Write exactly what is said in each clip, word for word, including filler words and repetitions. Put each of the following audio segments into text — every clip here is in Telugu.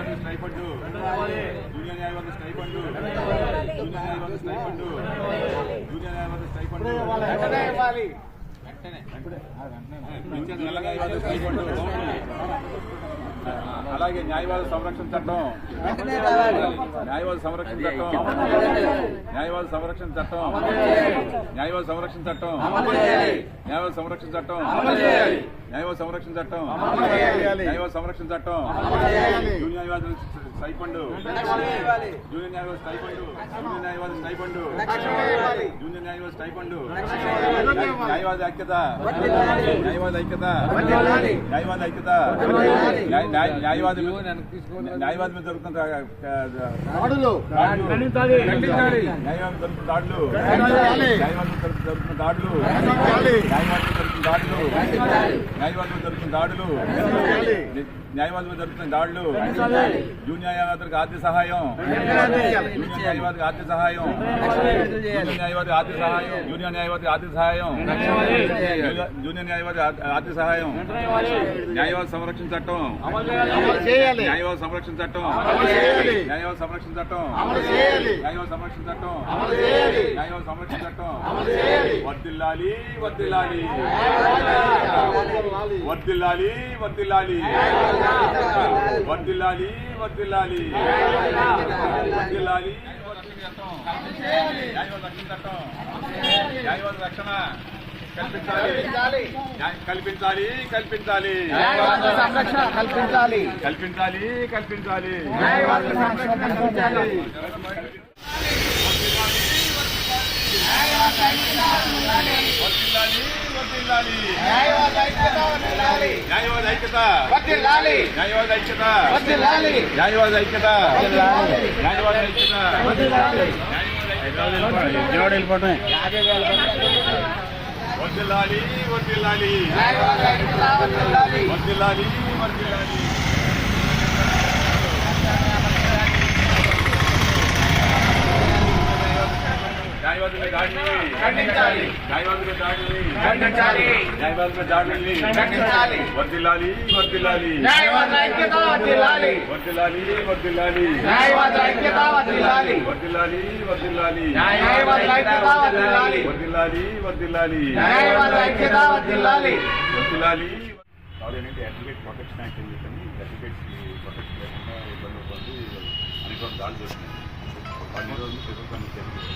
న్యాయవాదుల స్టైఫండ్ జూనియర్ న్యాయవాదుల స్టైఫండ్ జూనియర్ న్యాయవాదుల స్టైఫండ్ జూనియర్ న్యాయవాదుల స్టైఫండ్ అలాగే న్యాయవాద సంరక్షణ చట్టం న్యాయవాద సంరక్షణ చట్టం న్యాయవాద సంరక్షణ చట్టం న్యాయవాద సంరక్షణ చట్టం న్యాయవాద సంరక్షణ చట్టం న్యాయవాద సంరక్షణ చట్టం న్యాయవాద సంరక్షణ చట్టం జూనియర్ న్యాయవాదుల స్టైఫండ్ జూనియర్ న్యాయవాద స్టైఫండ్ జూనియర్ న్యాయవాద స్టైఫండ్ జూనియర్ న్యాయవాద స్టైఫండ్ న్యాయవాద ఐక్యత న్యాయవాద ఐక్యత న్యాయవాద ఐక్యత న్యాయవాది న్యాయవాది మీద జరుగుతున్న దాడులు న్యాయవాది జరుగుతున్న దాడులు న్యాయవాది జరుగుతున్న దాడులు న్యాయవాది జరుగుతున్న దాడులు న్యాయవాది జరుగుతున్న దాడులు న్యాయవాది మీద జరుగుతున్న దాడులు జూనియర్ న్యాయవాదులకు ఆర్థిక సహాయం జూనియర్ న్యాయవాదికి ఆర్థిక సహాయం జూనియర్ న్యాయవాది ఆర్థిక సహాయం జూనియర్ న్యాయవాది ఆర్థిక సహాయం జూనియర్ న్యాయవాది ఆర్థిక సహాయం న్యాయవాద సంరక్షణ చట్టం న్యాయవాద సంరక్షణ చట్టం న్యాయవాద సంరక్షణ చట్టం న్యాయవాద సంరక్షణ చట్టం న్యాయవాద సంరక్షణ చట్టం వర్ధిల్లాలి వర్ధిల్లాలి వర్ధిల్లాలి వర్ధిల్లాలి వర్ధిల్లాలి వర్ధిల్లాలి వర్ధిల్లాలి న్యాయవాద రక్షణ చట్టం న్యాయవాద రక్షణ కల్పించాలి కల్పించాలి కల్పించాలి కల్పించాలి కల్పించాలి కల్పించాలి న్యాయవాద ఐక్యత న్యాయవాద ఐక్యత న్యాయవాద ఐక్యత న్యాయవాద ఐక్యత వెళ్ళిపోతాయి వర్ధిల్లాలి వర్ధిల్లాలి వర్ధిల్లాలి వర్ధిల్లాలి న్యాయవాదుల దాడిని ఖండించాలి న్యాయవాదుల దాడిని ఖండించాలి న్యాయవాదుల దాడిని ఖండించాలి వర్ధిల్లాలి వర్ధిల్లాలి న్యాయవాద ఐక్యత వర్ధిల్లాలి వర్ధిల్లాలి వర్ధిల్లాలి న్యాయవాద ఐక్యత వర్ధిల్లాలి వర్ధిల్లాలి వర్ధిల్లాలి న్యాయవాద ఐక్యత వర్ధిల్లాలి వర్ధిల్లాలి వర్ధిల్లాలి న్యాయవాద ఐక్యత వర్ధిల్లాలి వర్ధిల్లాలి ఏంటంటే అడ్వకేట్ ప్రొటెక్షన్ యాక్ట్ అని చెప్పని అడ్వకేట్స్ ప్రొటెక్షన్ లేకుండా ఇబ్బంది పడి అనేక దాడులు చేస్తున్నాయి పది రోజులు ప్రభుత్వాన్ని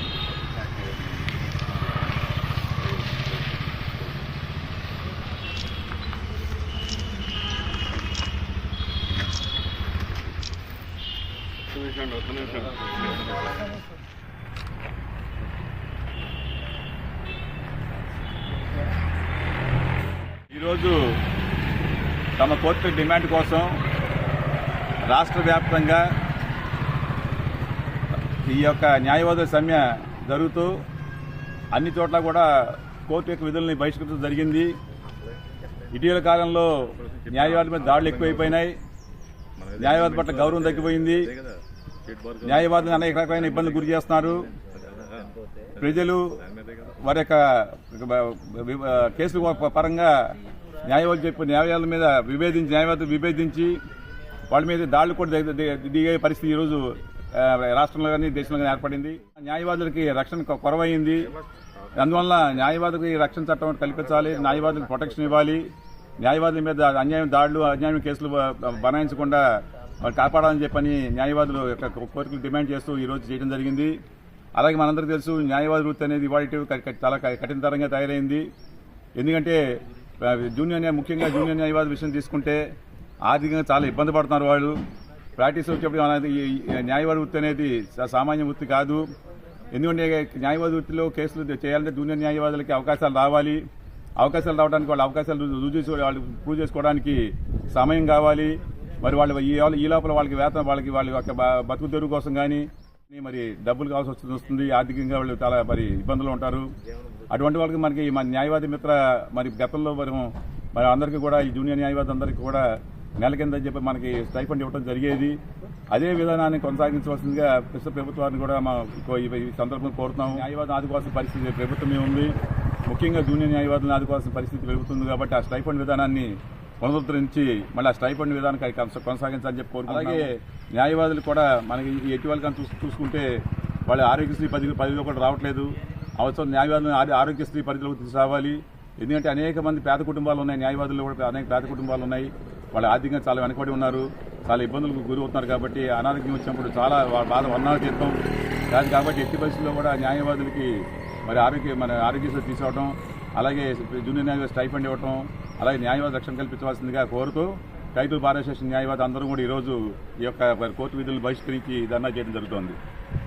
ఈరోజు తమ కోర్టు డిమాండ్ కోసం రాష్ట్ర వ్యాప్తంగా ఈ యొక్క న్యాయవాదుల సమ్మె జరుగుతూ అన్ని చోట్ల కూడా కోర్టు యొక్క విధుల్ని బహిష్కరించడం జరిగింది. ఇటీవల కాలంలో న్యాయవాదుల మీద దాడులు ఎక్కువైపోయినాయి. న్యాయవాది పట్ల గౌరవం తగ్గిపోయింది. న్యాయవాదులను అనేక రకమైన ఇబ్బందులు గురి చేస్తున్నారు. ప్రజలు వారి యొక్క కేసుల పరంగా న్యాయవాదులు చెప్పిన న్యాయాల మీద విభేదించి న్యాయవాదులు విభేదించి వాళ్ళ మీద దాడులు కూడా దిగే పరిస్థితి ఈరోజు రాష్ట్రంలో కానీ దేశంలో కానీ ఏర్పడింది. న్యాయవాదులకి రక్షణ కొరవైంది. అందువల్ల న్యాయవాదులకి రక్షణ చట్టం కల్పించాలి, న్యాయవాదులకు ప్రొటెక్షన్ ఇవ్వాలి, న్యాయవాదుల మీద అన్యాయం దాడులు అన్యాయం కేసులు బనాయించకుండా వాళ్ళు కాపాడాలని చెప్పని న్యాయవాదులు యొక్క కోరికలు డిమాండ్ చేస్తూ ఈరోజు చేయడం జరిగింది. అలాగే మనందరికీ తెలుసు న్యాయవాది వృత్తి అనేది ఇవాళ చాలా కఠినతరంగా తయారైంది. ఎందుకంటే జూనియర్ ముఖ్యంగా జూనియర్ న్యాయవాది విషయం తీసుకుంటే ఆర్థికంగా చాలా ఇబ్బంది పడుతున్నారు వాళ్ళు. ప్రాక్టీస్ వచ్చేప్పుడు అనేది న్యాయవాది వృత్తి అనేది సామాన్య వృత్తి కాదు. ఎందుకంటే న్యాయవాది వృత్తిలో కేసులు చేయాలంటే జూనియర్ న్యాయవాదులకి అవకాశాలు రావాలి. అవకాశాలు రావడానికి వాళ్ళ అవకాశాలు రుజువు చేసి వాళ్ళు ప్రూవ్ చేసుకోవడానికి సమయం కావాలి. మరి వాళ్ళు ఈ లోపల వాళ్ళకి వేతనం వాళ్ళకి వాళ్ళ యొక్క బతుకు తెరువు కోసం కానీ మరి డబ్బులు కావాల్సి వస్తుంది. ఆర్థికంగా వాళ్ళు చాలా మరి ఇబ్బందులు ఉంటారు. అటువంటి వాళ్ళకి మనకి మన న్యాయవాది మిత్ర మరి గతంలో మరి మరి అందరికీ కూడా ఈ జూనియర్ న్యాయవాది అందరికీ కూడా నెల కింద చెప్పి మనకి స్టైఫండ్ ఇవ్వడం జరిగేది. అదే విధానాన్ని కొనసాగించవలసిందిగా ప్రస్తుత ప్రభుత్వాన్ని కూడా మా ఈ సందర్భంగా కోరుతున్నాము. న్యాయవాదం ఆదుకోవాల్సిన పరిస్థితి ప్రభుత్వమే ఉంది. ముఖ్యంగా జూనియర్ న్యాయవాదులను ఆదుకోవాల్సిన పరిస్థితి పెరుగుతుంది కాబట్టి ఆ స్టైఫండ్ విధానాన్ని పునరుద్ధరించి మళ్ళీ ఆ స్టైఫండ్ విధానానికి కొనస- కొనసాగించాలని చెప్పి కోరుకుంటున్నాం. అలాగే న్యాయవాదులు కూడా మనకి ఈ ఎటువంటి కానీ చూసు చూసుకుంటే వాళ్ళ ఆరోగ్యశ్రీ పరిధి పరిధిలో కూడా రావట్లేదు. అవసరం న్యాయవాదులను ఆది- ఆరోగ్యశ్రీ పరిధిలోకి తీసుకురావాలి. ఎందుకంటే అనేక మంది పేద కుటుంబాలు ఉన్నాయి, న్యాయవాదులు కూడా అనేక పేద కుటుంబాలు ఉన్నాయి. వాళ్ళు ఆర్థికంగా చాలా వెనకబడి ఉన్నారు, చాలా ఇబ్బందులకు గురి అవుతున్నారు. కాబట్టి అనారోగ్యం వచ్చినప్పుడు చాలా వాళ్ళ బాధ వర్ణాలు తీర్థం కాదు. కాబట్టి ఎట్టి పరిస్థితుల్లో కూడా న్యాయవాదులకి మరి ఆరోగ్య మన ఆరోగ్యశ్రీ తీసుకోవడం, అలాగే జూనియర్ న్యాయవాది స్టైఫండ్ ఇవ్వటం, అలాగే న్యాయవాద రక్షణ కల్పించవలసిందిగా కోరుతూ రైతుల బార్ అసోసియేషన్ న్యాయవాది అందరూ కూడా ఈరోజు ఈ యొక్క కోర్టు విధులను బహిష్కరించి ధర్నా చేయడం జరుగుతోంది.